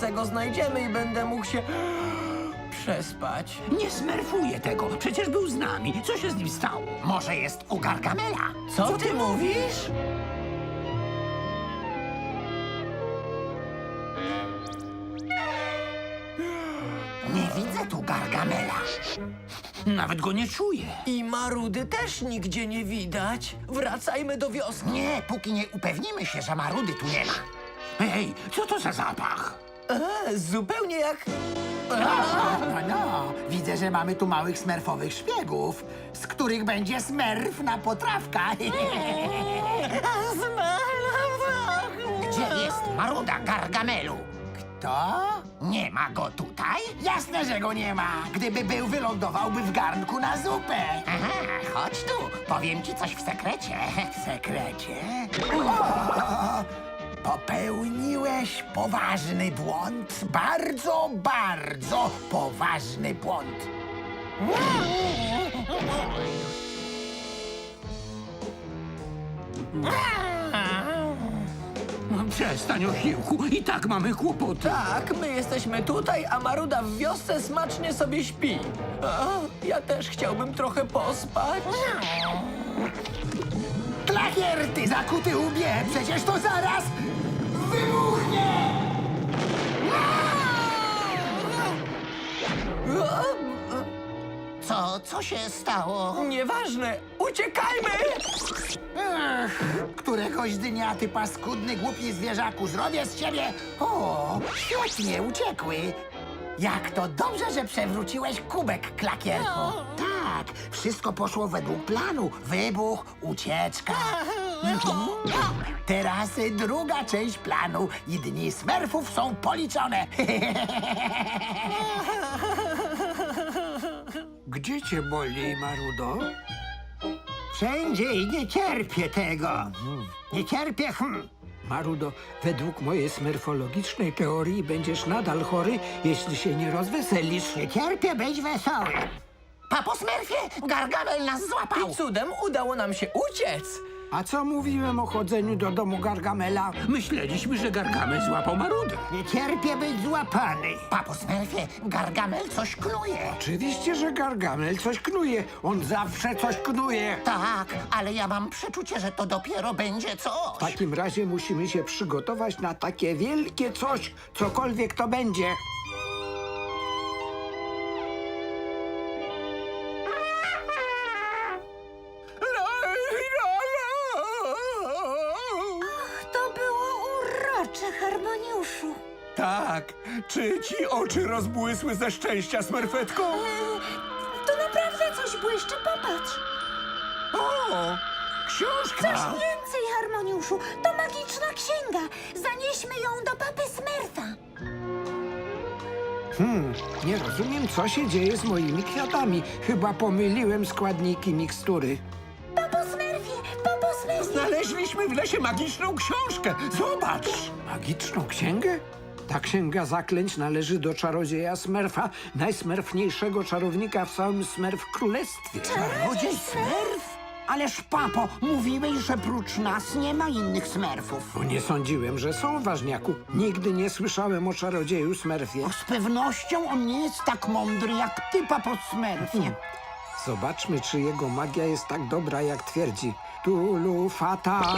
wkrótce go znajdziemy i będę mógł się przespać. Nie smerfuję tego. Przecież był z nami. Co się z nim stało? Może jest u Gargamela? Co ty mówisz? Nie widzę tu Gargamela. Nawet go nie czuję. I Marudy też nigdzie nie widać. Wracajmy do wioski. Nie, póki nie upewnimy się, że Marudy tu nie ma. Hej, co to za zapach? Zupełnie jak... No, widzę, że mamy tu małych smerfowych szpiegów, z których będzie smerf na potrawka. Gdzie jest Maruda Gargamelu? Kto? Nie ma go tutaj? Jasne, że go nie ma. Gdyby był, wylądowałby w garnku na zupę. Aha, chodź tu. Powiem ci coś w sekrecie. W sekrecie? O! Popełniłeś poważny błąd. Bardzo, bardzo poważny błąd. Przestań, Osiłku. I tak mamy kłopoty. Tak, my jesteśmy tutaj, a Maruda w wiosce smacznie sobie śpi. Ja też chciałbym trochę pospać. Klakier, ty zakuty łbie! Przecież to zaraz wybuchnie! Co się stało? Nieważne, uciekajmy! Któregoś dnia, ty paskudny, głupi zwierzaku, zrobię z ciebie... O, świetnie, uciekły. Jak to dobrze, że przewróciłeś kubek, Klakierku. Tak, wszystko poszło według planu. Wybuch, ucieczka. Teraz druga część planu i dni smerfów są policzone. Gdzie cię boli, Marudo? Wszędzie i nie cierpię tego. Nie cierpię, Marudo, według mojej smerfologicznej teorii będziesz nadal chory, jeśli się nie rozweselisz. Nie cierpię być wesoły. Papo Smerfie, Gargamel nas złapał. I cudem udało nam się uciec. A co mówiłem o chodzeniu do domu Gargamela? Myśleliśmy, że Gargamel złapał Marudę. Nie cierpię być złapany. Papo Smerfie, Gargamel coś knuje. Oczywiście, że Gargamel coś knuje. On zawsze coś knuje. Tak, ale ja mam przeczucie, że to dopiero będzie W coś. takim razie musimy się przygotować na takie wielkie coś, cokolwiek to będzie. To było urocze, Harmoniuszu. Tak, czy ci oczy rozbłysły ze szczęścia, Smerfetko? To naprawdę coś błyszczy, popatrz. O, książka! Coś więcej, Harmoniuszu. To magiczna księga. Zanieśmy ją do papy Smerfa. Nie rozumiem, co się dzieje z moimi kwiatami. Chyba pomyliłem składniki mikstury. Papo Smerfie, Papo Smerfie. Znaleźliśmy w lesie magiczną książkę. Zobacz! Magiczną księgę? Ta księga zaklęć należy do czarodzieja Smerfa, najsmerfniejszego czarownika w całym Smerf Królestwie. Czarodziej Smerf? Ależ, papo, mówiłeś, że prócz nas nie ma innych smerfów. Bo nie sądziłem, że są, ważniaku. Nigdy nie słyszałem o czarodzieju Smerfie. Z pewnością on nie jest tak mądry jak ty, papo Smerfie. Zobaczmy, czy jego magia jest tak dobra, jak twierdzi. Tulu fata.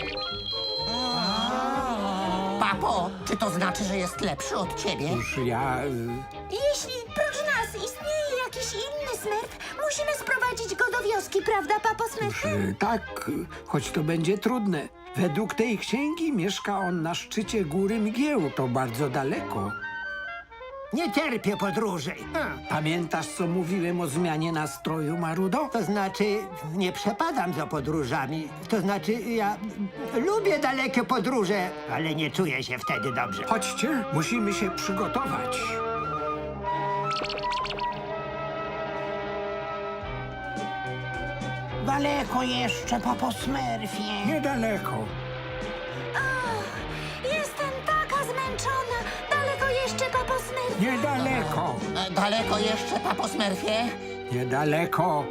Papo, czy to znaczy, że jest lepszy od ciebie? Już ja... Jeśli prócz nas istnieje jakiś inny Smerf, musimy sprowadzić go do wioski, prawda, Papo Smerf? Tak, choć to będzie trudne. Według tej księgi mieszka on na szczycie góry mgieł. To bardzo daleko. Nie cierpię podróży. Pamiętasz, co mówiłem o zmianie nastroju, Marudo? To znaczy, nie przepadam za podróżami. To znaczy, ja lubię dalekie podróże, ale nie czuję się wtedy dobrze. Chodźcie, musimy się przygotować. Daleko jeszcze, papo Smerfie. Niedaleko. Jestem taka zmęczona. Daleko jeszcze, Papo Smerfie. Niedaleko. Daleko jeszcze, papo Smerfie? Niedaleko.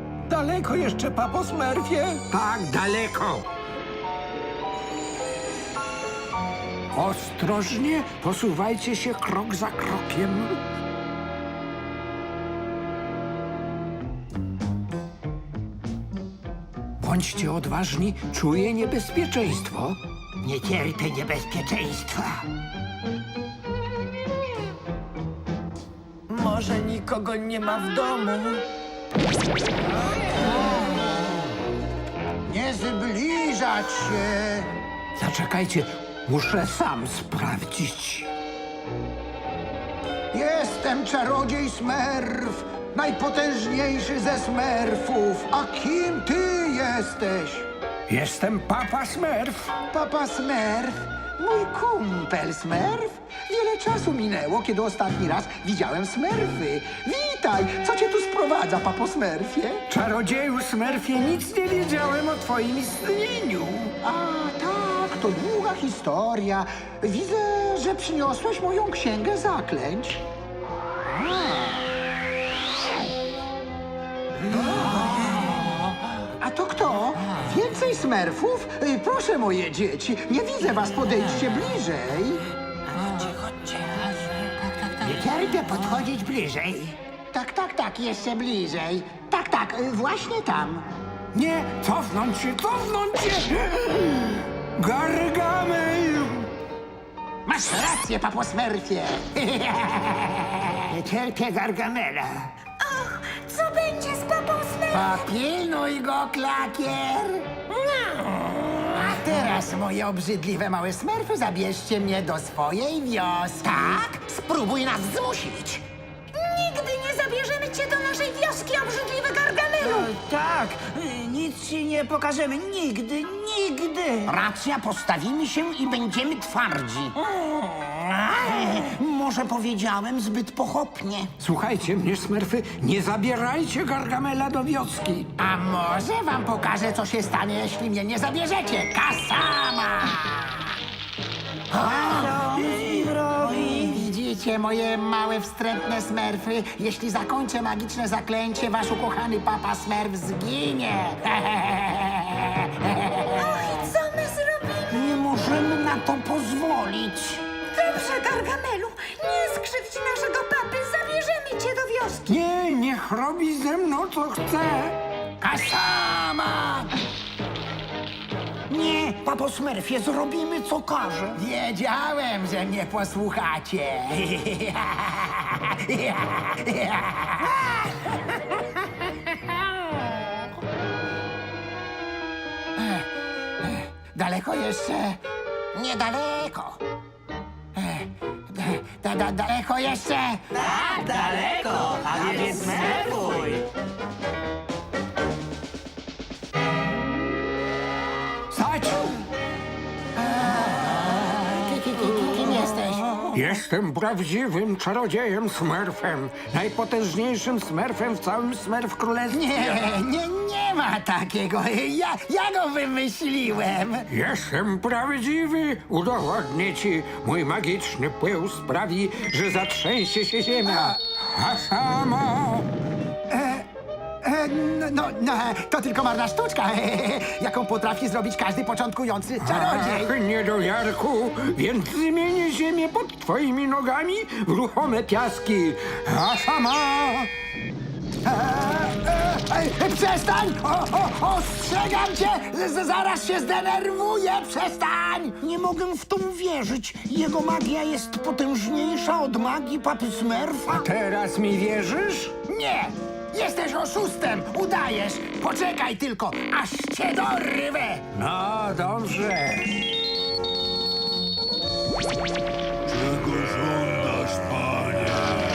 Daleko jeszcze, papo Smerfie? Tak, daleko. Ostrożnie posuwajcie się krok za krokiem. Bądźcie odważni, czuję niebezpieczeństwo. Nie cierpię niebezpieczeństwa. Może nikogo nie ma w domu? Nie zbliżać się. Zaczekajcie, muszę sam sprawdzić. Jestem czarodziej Smerf, najpotężniejszy ze Smerfów. A kim ty jesteś? Jestem Papa Smurf. Papa Smerf? Mój kumpel Smerf? Wiele czasu minęło, kiedy ostatni raz widziałem Smerfy. Witaj! Co cię tu sprowadza, papo Smerfie? Czarodzieju Smurfie, nic nie wiedziałem o twoim istnieniu. A tak, to długa historia. Widzę, że przyniosłeś moją księgę zaklęć. A to kto? Więcej Smerfów? Proszę, moje dzieci, nie widzę was, podejdźcie bliżej. Nie cierpię podchodzić bliżej. Tak, jeszcze bliżej. Tak, właśnie tam. Nie, cofnąć się! Gargamel! Masz rację, papo Smerfie. Nie cierpię Gargamela. Och, co będzie z papą Smurf? Popilnuj go, klakier. A teraz, moje obrzydliwe małe Smerfy, zabierzcie mnie do swojej wioski. Tak? Spróbuj nas zmusić. Nigdy nie zabierzemy cię do naszej wioski, obrzydliwy Gargamelu! Tak, nic ci nie pokażemy. Nigdy, nigdy. Racja, postawimy się i będziemy twardzi. Może powiedziałem zbyt pochopnie. Słuchajcie mnie, Smurfy, nie zabierajcie Gargamela do wioski. A może wam pokażę, co się stanie, jeśli mnie nie zabierzecie? Kasama! Widzicie, moje małe, wstrętne Smerfy? Jeśli zakończę magiczne zaklęcie, wasz ukochany papa Smerf zginie. I co my zrobimy? Nie możemy na to pozwolić. Dobrze, Gargamelu, nie skrzywdź naszego papy, zabierzemy cię do wioski. Nie, niech robi ze mną, co chce. Kasama! Nie, papo Smurfie, zrobimy co każe. Wiedziałem, że mnie posłuchacie. Daleko jeszcze? Niedaleko. Daleko jeszcze? Daleko, a więc smerfuj. Stać! Kim jesteś? Jestem prawdziwym czarodziejem Smurfem. Najpotężniejszym Smurfem w całym Smurf Królestwie. Nie ma takiego. Ja go wymyśliłem. Jestem prawdziwy. Udowodnię ci. Mój magiczny pył sprawi, że zatrzęsie się ziemia. A samo... To tylko marna sztuczka, jaką potrafi zrobić każdy początkujący czarodziej. Ach, niedojarku, więc zmienię ziemię pod twoimi nogami w ruchome piaski. A sama... Przestań! Ostrzegam cię! Zaraz się zdenerwuję! Przestań! Nie mogę w to uwierzyć. Jego magia jest potężniejsza od magii papy Smurfa. Teraz mi wierzysz? Nie! Jesteś oszustem! Udajesz! Poczekaj tylko, aż cię dorwę! No, dobrze. Czego żądasz, panie?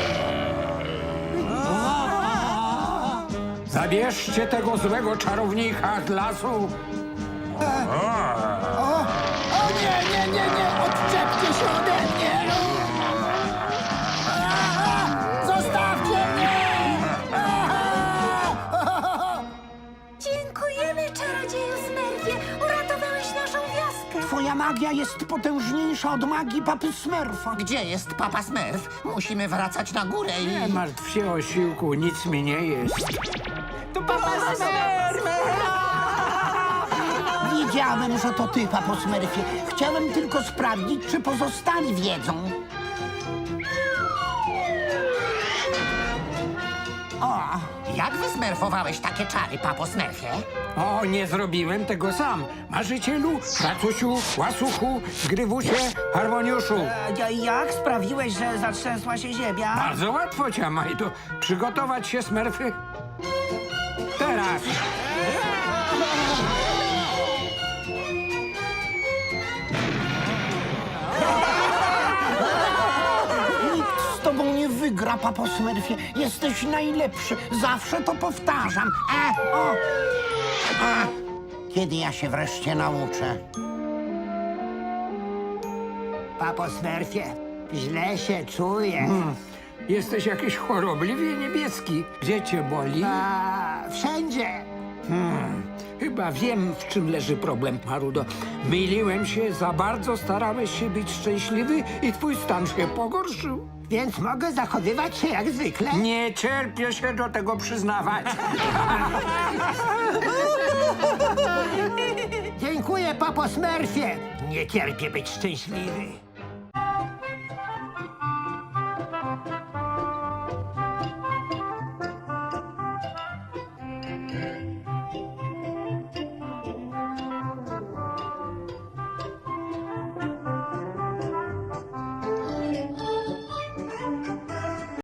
Zabierzcie tego złego czarownika z lasu. O nie! Odczepcie się ode mnie! Zostawcie mnie! Dziękujemy, czarodzieju Smurfie, uratowałeś naszą wioskę. Twoja magia jest potężniejsza od magii papy Smurfa. Gdzie jest papa Smurf? Musimy wracać na górę i... Nie martw się, osiłku, nic mi nie jest. Wiedziałem, że to ty, papo Smurfie. Chciałem tylko sprawdzić, czy pozostali wiedzą. Jak wysmerfowałeś takie czary, papo Smurfie? O, nie zrobiłem tego sam. Marzycielu, Racusiu, Łasuchu, Grywusie, Harmoniuszu. Jak sprawiłeś, że zatrzęsła się ziemia? Bardzo łatwo, Ciamajdo. Przygotować się, Smurfy? Teraz. Nikt z tobą nie wygra, papo Smurfie. Jesteś najlepszy. Zawsze to powtarzam. Kiedy ja się wreszcie nauczę? Papo Smurfie, źle się czuję. Jesteś jakiś chorobliwie niebieski. Gdzie cię boli? Wszędzie. Chyba wiem, w czym leży problem, Marudo. Myliłem się, za bardzo starałeś się być szczęśliwy i twój stan się pogorszył. Więc mogę zachowywać się jak zwykle? Nie cierpię się do tego przyznawać. Dziękuję, papo Smurfie. Nie cierpię być szczęśliwy.